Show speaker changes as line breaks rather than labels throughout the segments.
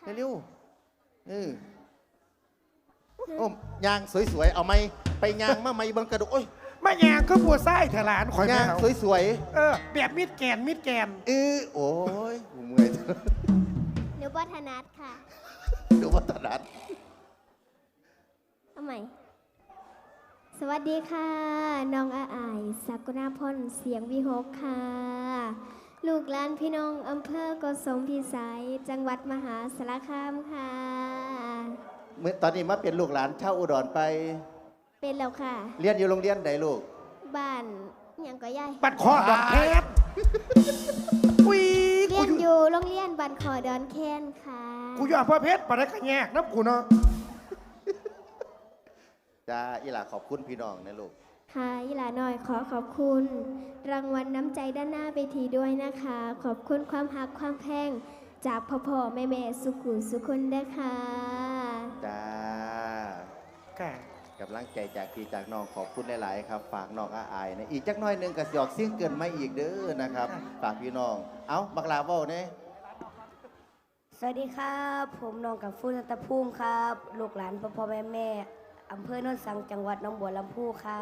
เร็วๆโอ้ยางสวยๆเอาไหมไปยางมาไหมเบิ่งกระดูกโอ้ย
มายางก็บัวไส้เถลานข่อย
ยาง
ไม่เอา
สวย
แบบมิดแกน
โอ้ยกูเมื่อย
หนูบัฒนัทค่ะ
ดูวัฒนัท
เอาใหม่ สวัสดีค่ะ น้องอาอายสักุณาพรเสียงวิหกค่ะ ลูกหลานพี่น้องอำเภอโกสมพิสัย จังหวัดมหาสารคามค่ะ
เมื่อตอนนี้มาเป็นลูกหลานเช่าอุดรไป
เป็นแล้วค่ะ
เรียนอยู่โรงเรียนใดลูก
บ้านหยังก็ย่าย
บัดคอดอกเพชรอุ้ย
เรียนอยู่โรงเรียนบ้านขอดอนแคนค่ะ
กูอยู่อำเภอเพชรปะได้กระแยกน้ำกูเนาะ
จ้าอีหล่าขอบคุณพี่น้องนะลูก
ค่ะอีหลาน้อยขอขอบคุณ รางวัลน้ำใจด้านหน้าเวทีด้วยนะคะ ขอบคุณความหักความแพงจากพ่อแม่สุขุมสุคนด้วยค่ะ
จ้า
ค่ะ
กำลังใจจากพี่จากน้องขอบคุณหลายๆครับ ฝากน้องอาอายนะอีกจักหน้อยหนึงก็สิออกเสียงเกินไม่อีกเด้อนะครับฝากพี่น้องเอ้าบักลาเว้าเนี่ย
สวัสดีครับ ผมน้องกับฟูสัตภูมิครับ ลูกหลานพ่อแม่อำเภอโนนสังจังหวัดหนองบัวลำพูครับ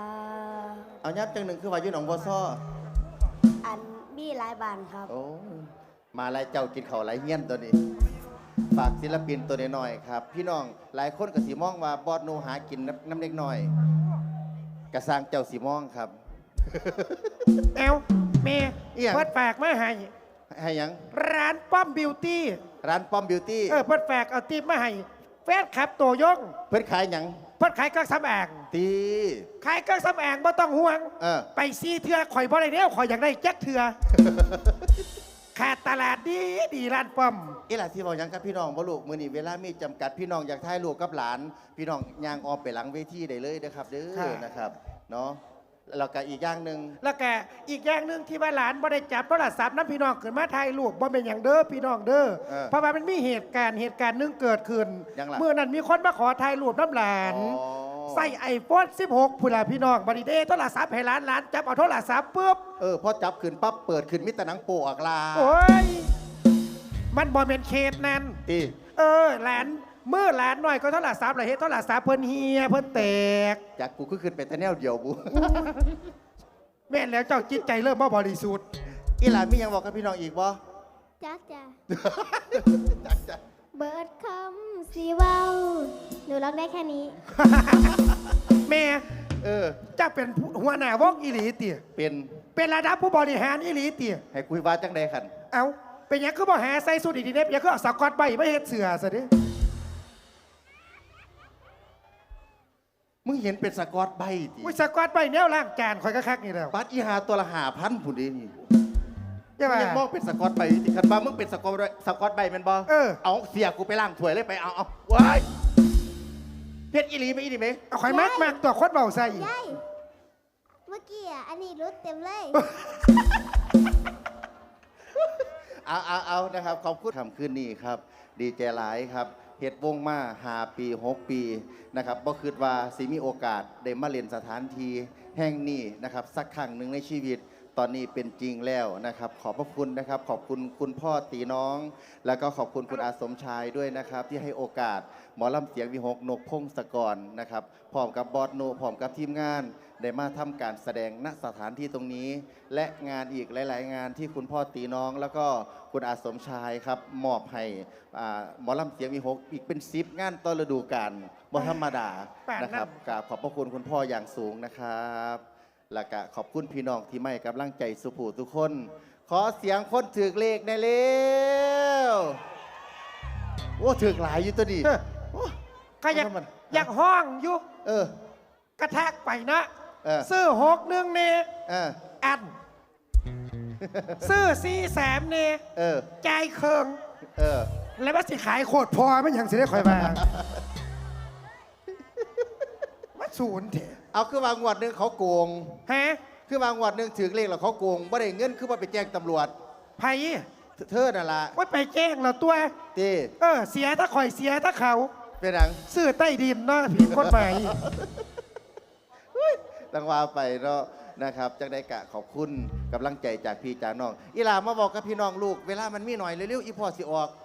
เอายับจังหนึ่งคือว่าอยู่หนองบัวซ้อ
อันมีหลายบานครับ
โอ้มาหลายเจ้ากินข้าวหลายเงี้ยนตัวนี้ ฝากศิลปินตัวน้อยๆครับ พี่น้องหลายคนก็สีมองว่าบอดโนหากินน้ำเล็กน้อยกระสร้างเจ้าสีมองครับ
เอวเมย์
เอี่ยง
เปิดแฝกมาให้
ให้หยัง
ร้านป้อมบิวตี้
ร้านป้อมบิวตี้
เปิดแฝกเอาตีมาให้แฟนคลับตัวยง
เพิ่นขายหยัง
เพิ่นขายเครื่องสำอาง
ตี
ขายเครื่องสำอางบ่ต้องห่วง ไปซีเถื่อข่อยบ่ได้เด้วข่อยอยากได้แจ็คเถื่อ ขาดตลาดดีร้านป้อม
อีหล่ะที่บอกหยังกับพี่น้องบ่ลูกมื้อนี้เวลามีจำกัดพี่น้องอยากถ่ายรูปกับหลาน พี่น้องย่างออมไปหลังเวทีได้เลยนะครับเด้
ค่ะ
อนะครับเนาะแล้วก็อีกอย่างหนึ่ง
แล้วก็อีกอย่างหนึ่งที่ว่าหลานบ่ได้จับโทรศัพท์น้ำพี่น้องขึ้นมาถ่ายรูปบ่เป็นอย่างเด้อพี่น้องเด้อเพราะว่ามันมีเหตุการณ์หนึ่งเกิดขึ้น
ยังล่ะ
เมื่อนั้นมีคนมาขอถ่ายรูปน้ำหลาน
อ๋อ
ใส่ไอโฟน16พุ่นล่ะพี่น้องบัดนี้เด้โทรศัพท์ให้หลานจับเอาโทรศัพท์ปุ๊บ
พอจับขึ้นปั๊บเปิดขึ้นมิตรหนังโปออกลา
โอ้ยมันบ่เป็นเคสนั้น
ตี
หลานเมื่อหลานหน่อยก็โทรศัพท์ล่ะเฮ็ดโทรศัพท์เพิ่นเฮียเพิ่นแตก
จากกูก็ขึ้นไปแต่แนวเดียวบู
แม่นแล้วเจ้าจิตใจเริ่มบ่บริสุทธิ์
อีหลานมีหยังบอกกับพี่น้องอีกบ่
จักจ้ะ
จักจ้ะ
เบิร์ดคำสีเว้าหนูร้องได้แค่นี้
แม่
เออ
เจ้าเป็นหัวหน้าวงอีหลีติ
เป็น
เป็นระดับผู้บริหารอีหลีติ
ให้คุยว่าจังใดขัน
เอาเป็นหยังคือบ่หาใส่สูทดีๆเด้เป็นหยังคือเอาสกอตใบไม่เฮ็ดเสือซะดิ
มึงเห็นเป็นสกอตใบติ
อุ้ยสกอตใบแนวล้างจานข่อยก็คักนี่แล้ว
บัตรอีหาตัวละ5,000ผู้เดีนี่
ใช่ป่ะ
ยังมองเป็นสกอตใบติคันบ้ามึงเป็นสกอตใบแม่นบ่ เอาเสียกูไปล้างถ้วยเลยไปเอาว้ายเพชรอีหลีไหมอีหลีไหม
เอาข่อยมากตัวคนเบาใส่
ยาย เมื่อกี้อ่ะ อันนี้รุดเต็มเลย
เอานะครับขอบคุณคำคืนนี้ครับ ดีใจหลายครับเฮ็ดวงมา5 ปี6 ปีนะครับบ่คิดว่าสิมีโอกาสได้มาเล่นสถานที่แห่งนี้นะครับสักครั้งหนึ่งในชีวิตตอนนี้เป็นจริงแล้วนะครับขอบพระคุณนะครับขอบคุณคุณพ่อตีน้อง แล้วก็ขอบคุณคุณอาสมชายด้วยนะครับที่ให้โอกาสหมอลำเสียงวิหกนกพงศกรนะครับพร้อมกับบอสโนพร้อมกับทีมงานได้มาทำการแสดงณสถานที่ตรงนี้ และงานอีกหลาย ๆ งานที่คุณพ่อตีน้อง แล้วก็คุณอาสมชายครับมอบให้หมอลำเสียงวิหกอีกเป็น10 งานต่อฤดูกาลบ่ธรรมดานะครับกราบขอบพระคุณคุณพ่ออย่างสูงนะครับแล้วก็ขอบคุณพี่น้องที่ไม่กำลังใจสุภูทุกคน ขอเสียงคนถือเลขในเร็วโอ้ถือหลายอยู่ตัวนี้
ก็อยากห้องอยู่
เออก
ระแทกไปนะ
ซื้อ
ซื้อ6-1เนี่ย อัน ซื้อ4-3เนี่ย ใจายเคิง แล้วว่าสิขายโคตรพอไม่ยังสิได้คอยมาว่าศูนย์เถอะ
เอาคือวางงวดหนึงเขาโกง
ฮะ
คือวางงวดหนึงถือเลขแล้วเขาโกงบ่ได้เงินคือว่าไปแจ้งตำรวจ
ไผ่
เธอนั่นล่ะ
ว่าไปแจ้งเราตัว
ตี
เสียถ้าข่อยเสียถ้าเขา
เป็นหนัง
ซื้อใต้ดินเนาะผิดกฎหมาย
ตั้งว่าไปเนาะนะครับจังได้กะขอบคุณกำลังใจจากพี่จากน้องอีหลามาบอกกับพี่น้องลูกเวลามันมีหน่อยเร็วๆอีพ่อสิออก